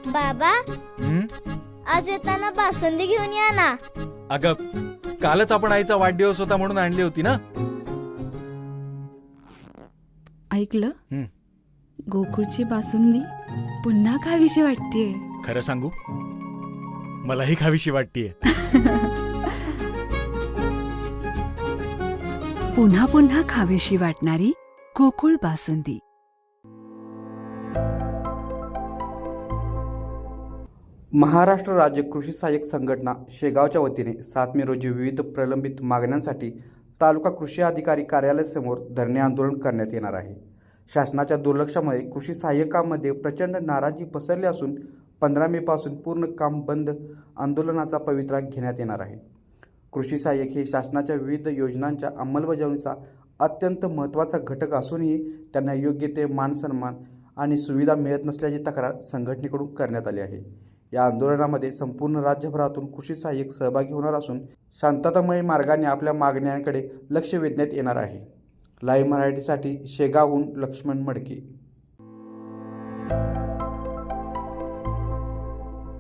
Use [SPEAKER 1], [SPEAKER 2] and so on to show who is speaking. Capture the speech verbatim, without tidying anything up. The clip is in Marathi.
[SPEAKER 1] बाबा,
[SPEAKER 2] हं?
[SPEAKER 1] आज येताना बासुंदी घेऊन या ना.
[SPEAKER 2] अगं, कालच आपण आईचा वाढदिवस होता म्हणून आणली होती ना.
[SPEAKER 3] ऐकलं,
[SPEAKER 2] हं.
[SPEAKER 3] गोकुळची बासुंदी पुन्हा खावीशी वाटतेय.
[SPEAKER 2] खरं सांगू, मलाही खावीशी वाटतीये.
[SPEAKER 4] पुन्हा पुन्हा खावीशी वाटणारी गोकुळ बासुंदी.
[SPEAKER 5] महाराष्ट्र राज्य कृषी सहाय्यक संघटना शेगावच्या वतीने सात मे रोजी विविध प्रलंबित मागण्यांसाठी तालुका कृषी अधिकारी कार्यालयासमोर धरणे आंदोलन करण्यात येणार आहे. शासनाच्या दुर्लक्षामुळे कृषी सहाय्यकांमध्ये प्रचंड नाराजी पसरली असून पंधरा मे पासून पूर्ण काम बंद आंदोलनाचा पवित्रा घेण्यात येणार आहे. कृषी सहाय्यक हे शासनाच्या विविध योजनांच्या अंमलबजावणीचा अत्यंत महत्त्वाचा घटक असूनही त्यांना योग्य ते मानसन्मान आणि सुविधा मिळत नसल्याची तक्रार संघटनेकडून करण्यात आली आहे. या आंदोलनामध्ये संपूर्ण राज्यभरातून कृषी सहाय्यक सहभागी होणार असून शांततामय मार्गाने आपल्या मागण्यांकडे लक्ष वेधण्यात येणार आहे. लाईव्ह मराठीसाठी शेगावहून लक्ष्मण मडके.